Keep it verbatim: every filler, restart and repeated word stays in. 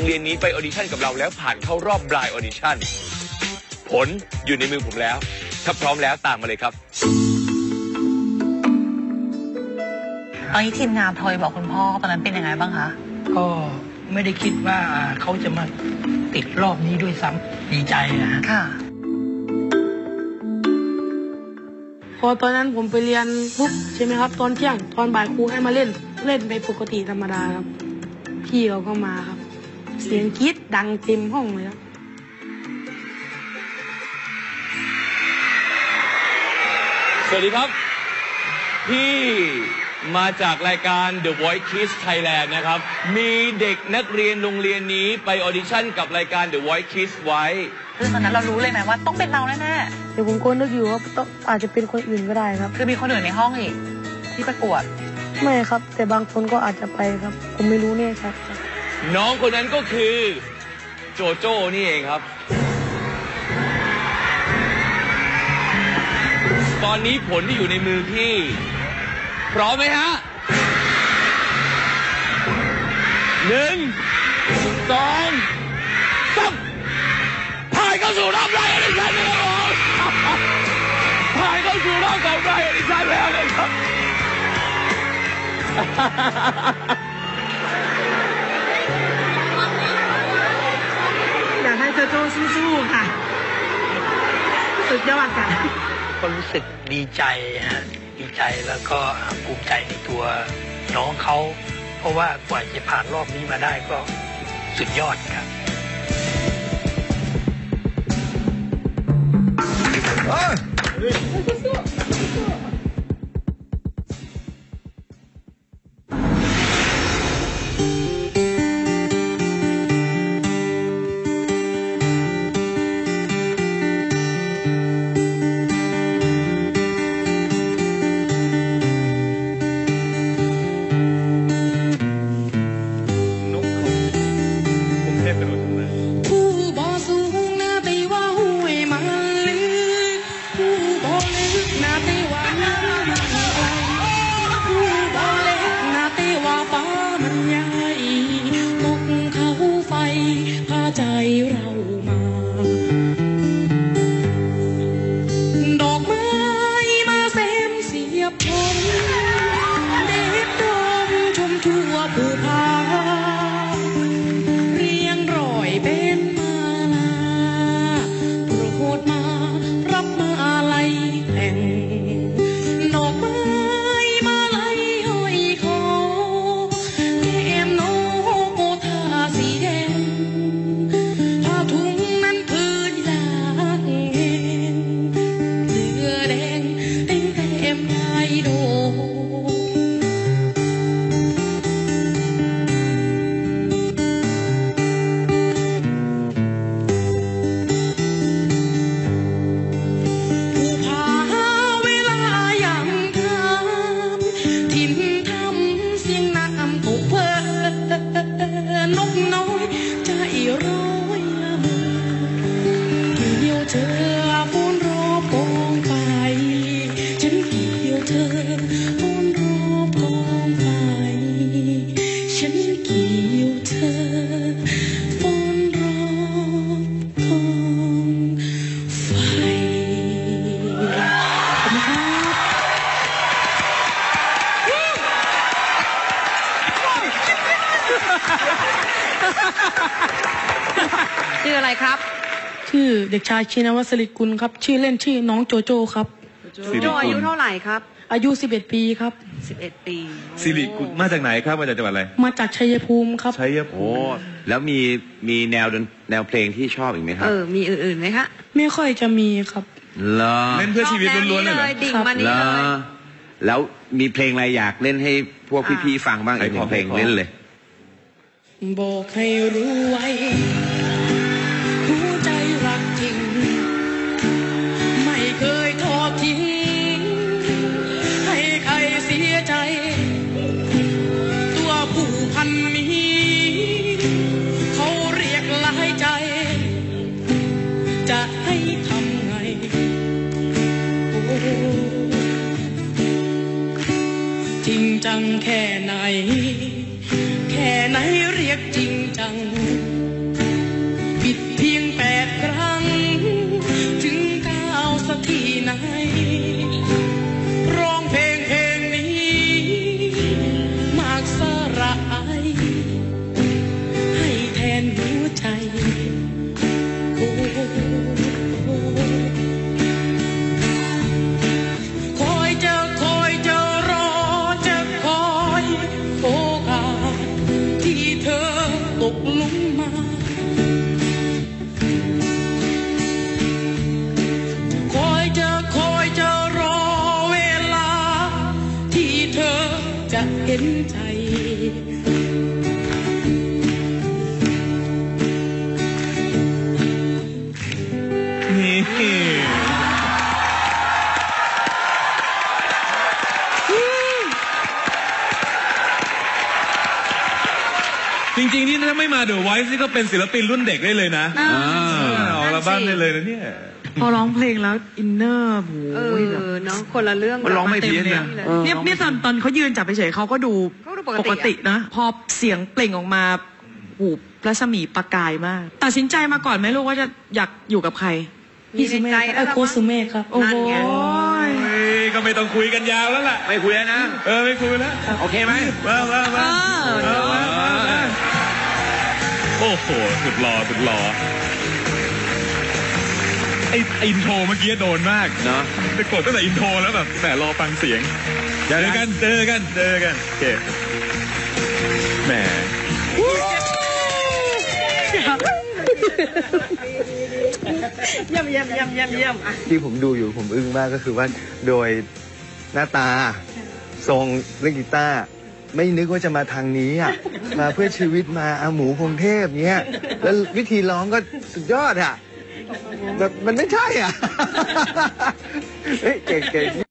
เรียนนี้ไปออดิชั่นกับเราแล้วผ่านเข้ารอบบลายออดิชั่นผลอยู่ในมือผมแล้วถ้าพร้อมแล้วตามมาเลยครับตอนนี้ทีมงานโทรบอกคุณพ่อตอนนั้นเป็นยังไงบ้างคะก็ไม่ได้คิดว่าเขาจะมาติดรอบนี้ด้วยซ้ำดีใจนะค่ะพอตอนนั้นผมไปเรียนปุ๊บใช่ไหมครับตอนเที่ยงตอนบ่ายครูให้มาเล่นเล่นไปปกติธรรมดาครับพี่เขาก็มาครับเสียงกรี๊ดดังเต็มห้องเลยครับสวัสดีครับพี่มาจากรายการ The Voice Kids Thailand นะครับมีเด็กนักเรียนโรงเรียนนี้ไปออดิชั่นกับรายการ The Voice Kids ไว้คือตอนนั้นเรารู้เลยไหมว่าต้องเป็นเราแน่ๆเดี๋ยวผมก็นึกอยู่ว่าต้องอาจจะเป็นคนอื่นก็ได้ครับคือมีคนอื่นในห้องอีกที่ประกวดไม่ครับแต่บางคนก็อาจจะไปครับผมไม่รู้แน่ชัดครับน้องคนนั้นก็คือโจโจ้นี่เองครับตอนนี้ผลที่อยู่ในมือพี่พร้อมไหมฮะหนึ่งสองสามผ่านเข้าสู่รอบไลฟ์ออดิชั่นแล้วครับผ่านเข้าสู่รอบของไลฟ์ออดิชั่นแล้วเลยครับอยากให้โจโจ้สู้ๆค่ะสุดยอดค่ะก็รู้สึกดีใจฮะดีใจแล้วก็ภูมิใจในตัวน้องเขาเพราะว่ากว่าจะผ่านรอบนี้มาได้ก็สุดยอดครับชื่ออะไรครับชื่อเด็กชายชินวัฒน์สิริกุลครับชื่อเล่นชื่อน้องโจโจ้ครับโจอายุเท่าไหร่ครับอายุสิบเอ็ดปีครับสิบเอ็ดปีสิริกุลมาจากไหนครับมาจากจังหวัดอะไรมาจากชัยภูมิครับชัยภูมิแล้วมีมีแนวแนวเพลงที่ชอบอีกไหมครับเออมีอื่นๆไหมคะไม่ค่อยจะมีครับเหรอเล่นเพื่อชีวิตล้วนๆเลยเหรอดิ่งมานี่เลยแล้วมีเพลงอะไรอยากเล่นให้พวกพี่ๆฟังบ้างอีกหนึ่งเพลงเล่นเลยบอกให้รู้ไว้หัวใจรักจริงไม่เคยทอดทิ้งให้ใครเสียใจตัวผู้พันนี้เขาเรียกหลายใจจะให้ทำไงโอ้จริงจังแค่ไหนแค่ไหนเรียกจริงจังหนุนมา คอยจะคอยจะรอเวลา ที่เธอจะเห็นใจนี่จริงๆนี่ถ้าไม่มาเดอะไวท์นี่ก็เป็นศิลปินรุ่นเด็กได้เลยนะอ่าออกอัลบั้มได้เลยนะเนี่ยพอร้องเพลงแล้วอินเนอร์โหเออแบบเนาะคนละเรื่องมันร้องไม่เพี้ยนต็นะลเออเนี่ยเนี่ยตอนตอนเขายืนจับไปเฉยเขาก็ดูเขาดูปปกกติตินะ พอเสียงเปล่งออกมาหูรัศมีประกายมาก ตัดสินใจมาก่อนไหมลูกว่าจะอยากอยู่กับใครมีในใจเอแล้วอล่ะโคสุเมฆครับโอ้โหเฮ้ยก็ไม่ต้องคุยกันยาวแล้วล่ะไม่คุยแล้วนะเออไม่คุยแล้วโอเคไหมมามามาเออมามามาโอ้โหสุดหล่อสุดหล่อไอไอ้อินโทรเมื่อกี้โดนมากเนาะไปกดตั้งแต่อินโทรแล้วแบบแต่รอฟังเสียงเจอกันเจอกันเจอกันโอเคแหมเยี่ยมเยี่ยมเยี่ยมเยี่ยมเยี่ยมอ่ะที่ผมดูอยู่ผมอึ้งมากก็คือว่าโดยหน้าตาทรงเล่นกีตาร์ไม่นึกว่าจะมาทางนี้อ่ะ มาเพื่อชีวิตมาอาหมูพงเทพเนี้ยแล้ววิธีร้องก็สุดยอดอ่ะแบบมันไม่ใช่อ่ะ เฮ้ยเก่งๆ